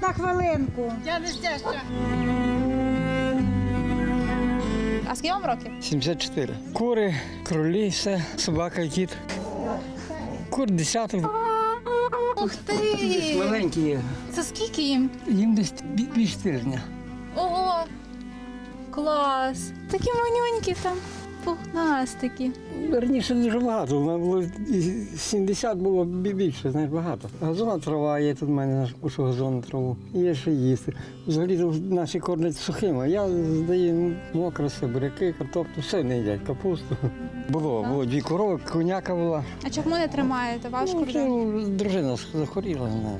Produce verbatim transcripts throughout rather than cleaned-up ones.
на хвилинку. Я не щастя. А скільки вам років? сімдесят чотири. Кури, кролі, все, собака, кіт. Кур десяток. Ух ти! Маленькі є. Це скільки їм? Їм десь бі- більше тижня. Ого! Клас! Такі манюнькі там, пухнастики. Раніше дуже багато, у мене було і сімдесят було бі- більше, знаєш, багато. Газонна трава є, тут в мене наш кушу газонну траву. Є що їсти. Взагалі тут наші кормлять сухим, а я здаю мокре все, буряки, картоплю, все не їдять, капусту. Було, було дві корови, коняка була. А чому не тримаєте? Важко Ну, вже? це дружина захворіла, знаєш.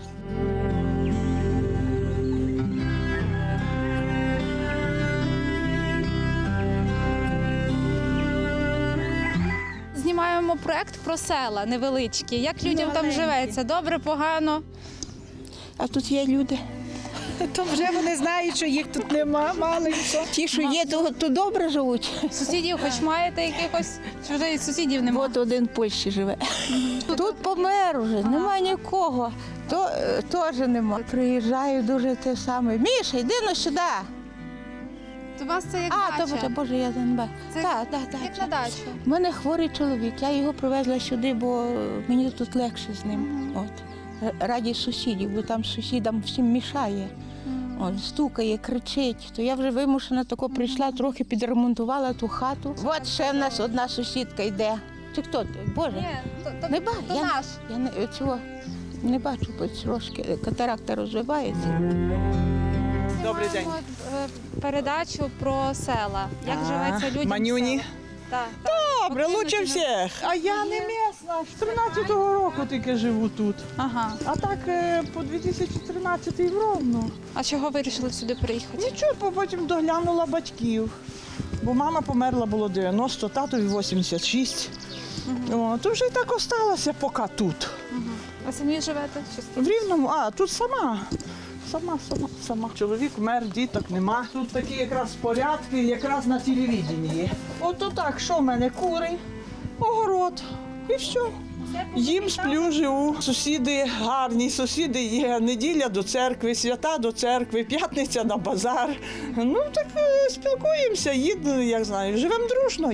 Знімаємо проект про села невеличкі. Як людям там живеться? Добре, погано? А тут є люди. То вже вони знають, що їх тут нема, маленько. Ті, що є, то, то добре живуть. Сусідів хоч маєте якихось? Чи вже і сусідів немає? От один в Польщі живе. Тут помер уже, нема нікого. То е, теж нема. Приїжджаю дуже те саме. Міша, йди ну сюди. У вас це як А, то дача? Боже, Боже, я не бачу. Це Так, так, як на так. дачу. У мене хворий чоловік, я його привезла сюди, бо мені тут легше з ним. От. Раді сусідів, бо там сусідам всім мішає. От, стукає, кричить. То я вже вимушена тако прийшла, трохи підремонтувала ту хату. От ще в нас одна сусідка йде. Чи хто? ти? Боже, Ні, то, то, не бачу. то Я, наш. я не, цього не бачу, бо трошки катаракта розвивається. Добрий день. Знімаємо, е, передачу про села. Як живеться людям. в Манюні? селах. Так, так. Добре, Потрібно лучше чи- всіх. А я не місна. З тринадцятого року тільки живу тут. Ага. А так е, по дві тисячі тринадцятий в Ровно. А чого вирішили сюди приїхати? Нічого, бо потім доглянула батьків. Бо мама померла було дев'яносто, татові вісімдесят шість. О, то вже й так осталося поки тут. А самі живете? Чи з- В Рівному, а тут сама. Сама, сама, сама. Чоловік вмер, діток нема. Тут такі якраз порядки, якраз на телевізії є. Ото так, що в мене кури, огород і все. Їм сплю, живу. Сусіди гарні, сусіди є. Неділя до церкви, свята до церкви, п'ятниця на базар. Ну так е, спілкуємося, їдемо, як знаю, живемо дружно.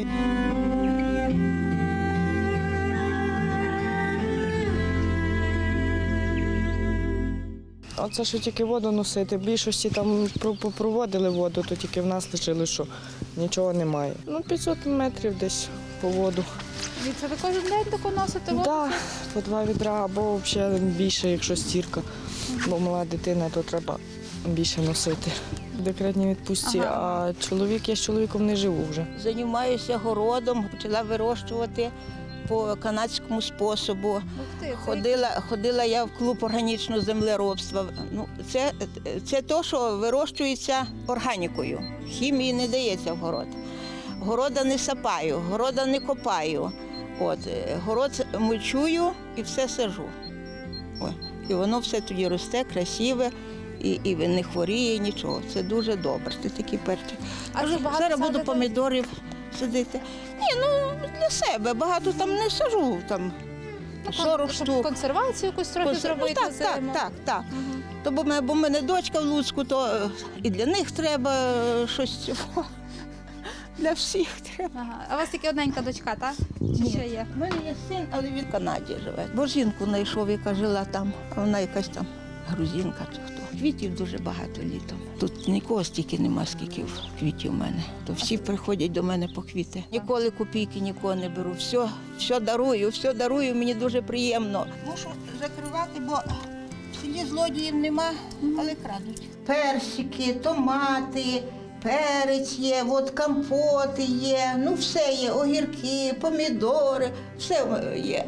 Оце що тільки воду носити. В більшості там про- попроводили воду, то тільки в нас лишили, що нічого немає. Ну, п'ятсот метрів десь по воду. І це ви кожен день тако носите воду? Так, по два відра або взагалі більше, якщо стірка. Бо мала дитина, то треба більше носити. В декретній відпустці, а чоловік, я з чоловіком не живу вже. Займаюся городом, почала вирощувати по канадському способу. Ух ти, це Ходила, ходила я в клуб органічного землеробства. Ну, це, це те, що вирощується органікою. Хімії не дається в город. Города не сапаю, города не копаю. От, е, город мульчую і все сажу. Ой, і воно все тоді росте, красиве, і, і не хворіє нічого. Це дуже добре. Це такі перчик. А ви багато Зараз буду садите? помідорів садити. Ні, ну для себе. Багато там не сажу. Там сорок щоб штук. консервацію якусь трохи Консер- зробити ну, так, так, зиму. так, так. Мгм. То бо мене, бо в мене дочка в Луцьку, то е, і для них треба е, щось цього. Для всіх треба. Ага. А у вас тільки одненька дочка, так? Чи ще є? У мене є син, але він в Канаді живе. Бо жінку знайшов, яка жила там, а вона якась там грузинка чи хто. Квітів дуже багато літом. Тут нікого стільки нема, скільки квітів у мене. То всі приходять до мене по квіти. Ніколи копійки нікого не беру. Все, все дарую, все дарую, мені дуже приємно. Мушу закривати, бо в селі злодіїв нема, але крадуть. Персики, томати, перець є, от компоти є, ну все є, огірки, помідори, все є.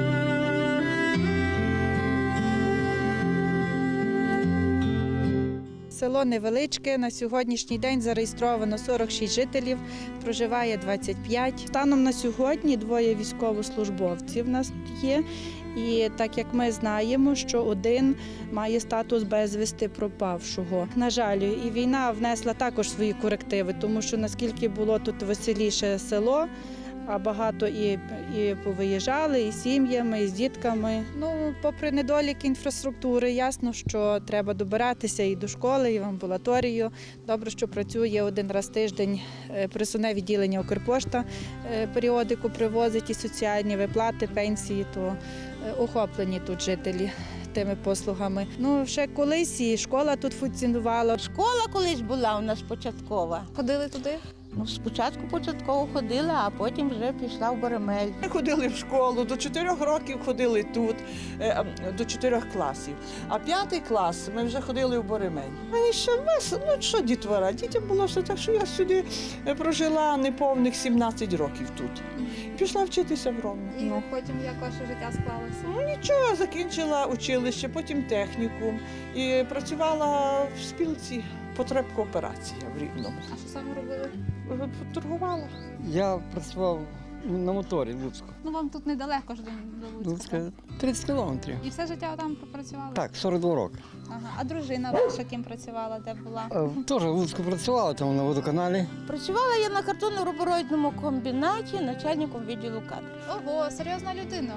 Село невеличке, на сьогоднішній день зареєстровано сорок шість жителів, проживає двадцять п'ять. Станом на сьогодні двоє військовослужбовців в нас є. І так як ми знаємо, що один має статус безвісти пропавшого. На жаль, і війна внесла також свої корективи, тому що наскільки було тут веселіше село, а багато і, і повиїжджали, і з сім'ями, і з дітками. Ну, попри недоліки інфраструктури, ясно, що треба добиратися і до школи, і в амбулаторію. Добре, що працює один раз в тиждень е, присувне відділення Укрпошта, е, періодику привозить і соціальні виплати, пенсії, то е, охоплені тут жителі тими послугами. Ну, ще колись і школа тут функціонувала. Школа колись була у нас початкова. Ходили туди? Ну, спочатку початково ходила, а потім вже пішла в Боремель. Ми ходили в школу, до чотирьох років ходили тут, е, до чотирьох класів. А п'ятий клас ми вже ходили в Боремель. Мені ще весело, ну що дітвора, дітям було все так, що я сюди прожила неповних сімнадцять років тут. Пішла вчитися в Ровно. І Ну. потім як ваше життя склалося? Ну, нічого, закінчила училище, потім технікум і працювала в спілці потреб кооперації в Рівному. А що саме робили? Торгувала. Я працював на моторі в Луцьку. Ну вам тут недалеко ж до, до Луцька. Луцька тридцять кілометрів. І все життя там пропрацювали? Так, сорок два роки. Ага. А дружина ваша ким працювала, де була? Е, Теж в Луцьку працювала, там на водоканалі. Працювала я на картонно-рубероїдному комбінаті начальником відділу кадрів. Ого, серйозна людина.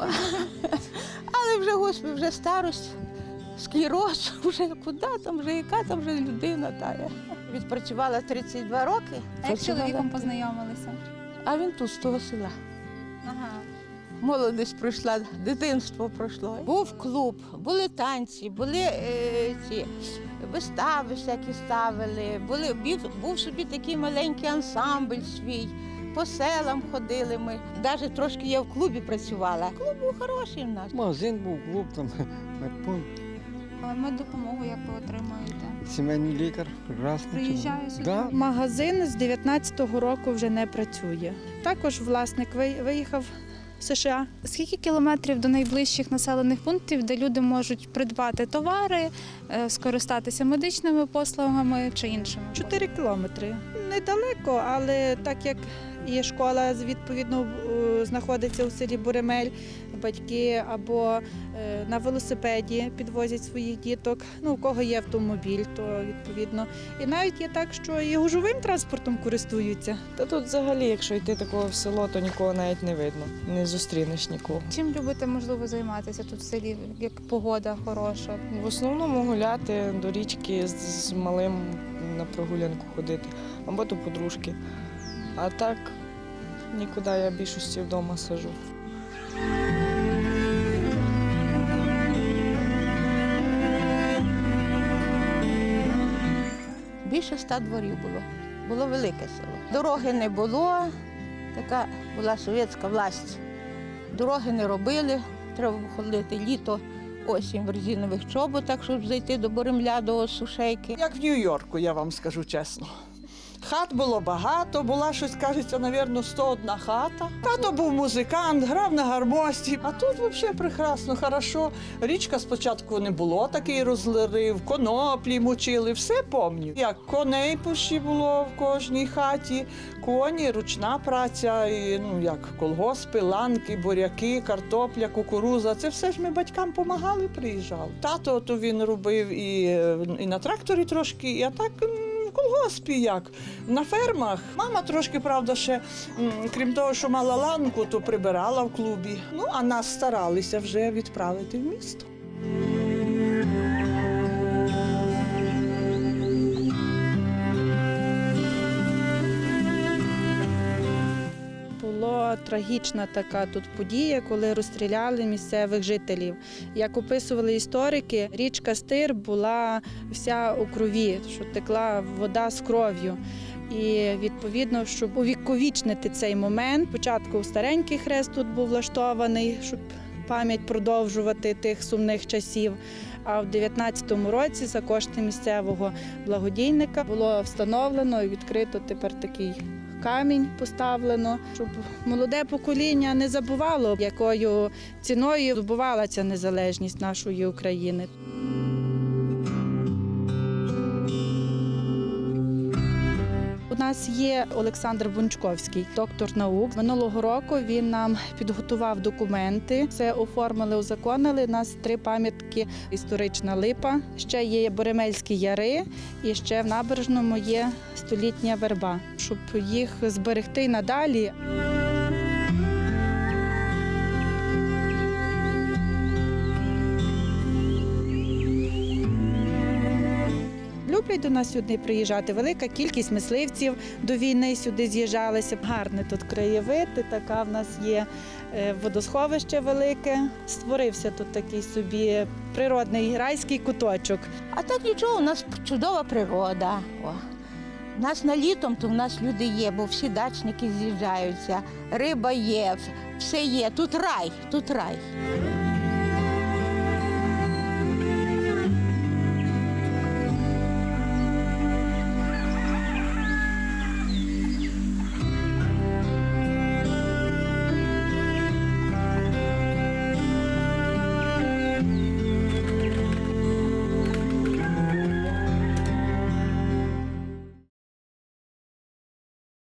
Але вже, господи, вже старость, склероз, вже куди там, вже яка там вже людина тая. Відпрацювала тридцять два роки. А як з Працювала- чоловіком познайомилися? А він тут, з того села. Ага. Молодість пройшла, дитинство пройшло. Був клуб, були танці, були е, ці вистави всякі ставили, були, був, був собі такий маленький ансамбль свій. По селам ходили ми. Навіть трошки я в клубі працювала. Клуб був хороший в нас. Магазин був, клуб, там медпункт, А меддопомогу як ви отримуєте? сімейний лікар, прекрасно. Приїжджає сюди? Да. Магазин з дев'ятнадцятого року вже не працює. Також власник ви- виїхав в США. Скільки кілометрів до найближчих населених пунктів, де люди можуть придбати товари, е, скористатися медичними послугами чи іншими? Чотири кілометри. Недалеко, але так як і школа відповідно е, знаходиться у селі Боремель, батьки або е, на велосипеді підвозять своїх діток. Ну, у кого є автомобіль, то відповідно. І навіть є так, що і гужовим транспортом користуються. Та тут взагалі, якщо йти такого в село, то нікого навіть не видно. Не зустрінеш нікого. Чим любите, можливо, займатися тут в селі, як погода хороша? В основному гуляти до річки з, з малим на прогулянку ходити, або до подружки. А так нікуди, я в більшості вдома сижу. Більше ста дворів було. Було велике село. Дороги не було, така була совєтська власть. Дороги не робили, треба було ходити літо, осінь в резинових чоботах, щоб зайти до Боремля, до сушейки. Як в Нью-Йорку, я вам скажу чесно. Хат було багато, була щось, кажеться, навірно, сто одна хата. Тато був музикант, грав на гармості. А тут взагалі прекрасно, хорошо. Річка спочатку не було, такий розлив, коноплі мочили, все пам'ятаю. Як коней пущі було в кожній хаті, коні, ручна праця, і, ну, як колгоспи, ланки, буряки, картопля, кукуруза. Це все ж ми батькам допомагали, приїжджали. Тато то він робив і, і на тракторі трошки, а так в колгоспі як. На фермах. Мама трошки, правда, ще, м, крім того, що мала ланку, то прибирала в клубі. Ну, а нас старалися вже відправити в місто. Була трагічна така тут подія, коли розстріляли місцевих жителів. Як описували історики, річка Стир була вся у крові, що текла вода з кров'ю. І відповідно, щоб увіковічнити цей момент, спочатку старенький хрест тут був влаштований, щоб пам'ять продовжувати тих сумних часів. А в дев'ятнадцятому році за кошти місцевого благодійника було встановлено і відкрито тепер такий камінь поставлено, щоб молоде покоління не забувало, якою ціною здобувала ця незалежність нашої України. У нас є Олександр Бунчковський, доктор наук. Минулого року він нам підготував документи. Це оформили, узаконили. У нас три пам'ятки: історична липа, ще є Боремельські яри і ще в Набережному є столітня верба. Щоб їх зберегти надалі. любить до нас сюди приїжджати. Велика кількість мисливців до війни сюди з'їжджалися. Гарний тут краєвид, і така в нас є е, водосховище велике. Створився тут такий собі природний райський куточок. А так нічого, у нас чудова природа. О. У нас на літом, то в нас люди є, бо всі дачники з'їжджаються, риба є, все є. Тут рай, тут рай.